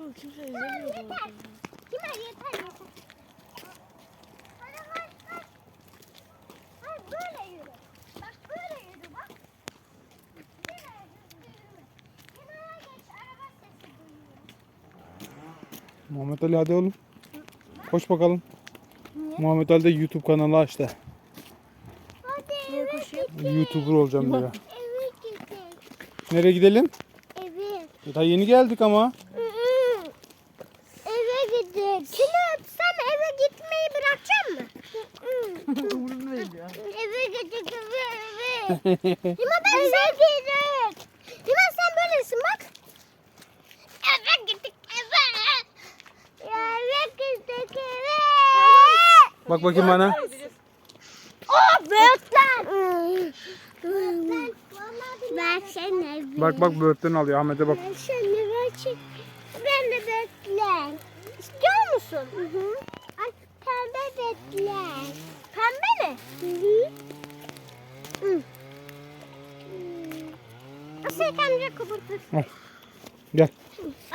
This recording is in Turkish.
Kimse izlemiyor. Yeter. Yeter yeter. Hayır böyle yürü. Bak böyle yürü bak. Kenara yürüme. Kenara geç araba sesi duyuyor. Muhammed Ali hadi oğlum. Koş bakalım. Niye? Muhammed Ali de YouTube kanalı açtı. Hadi Niye eve koşuyor? gidelim. YouTuber olacağım diyor. Eve gidelim. Nereye gidelim? Eve. Daha yeni geldik ama. Eve gidelim. Kimi öpsem eve gitmeyi bırakacak mı? Vurmayın ya. Eve gidecek eve. Lima ben eve gidecek. Lima sen böylesin bak. Eve gittik eve. Ya eve gittik eve. Bak bakayım bana. Oh böğürtlen. Ben seni Bak bak böğürtlen alıyor. Ahmet'e bak. Ben seni ver. Ben de böğürtlen. İstiyor musun? Hı hı. Ay pembe böğürtlen. Pembe mi? Hı hı. Hı. Asıl amca kapatırsın. Gel.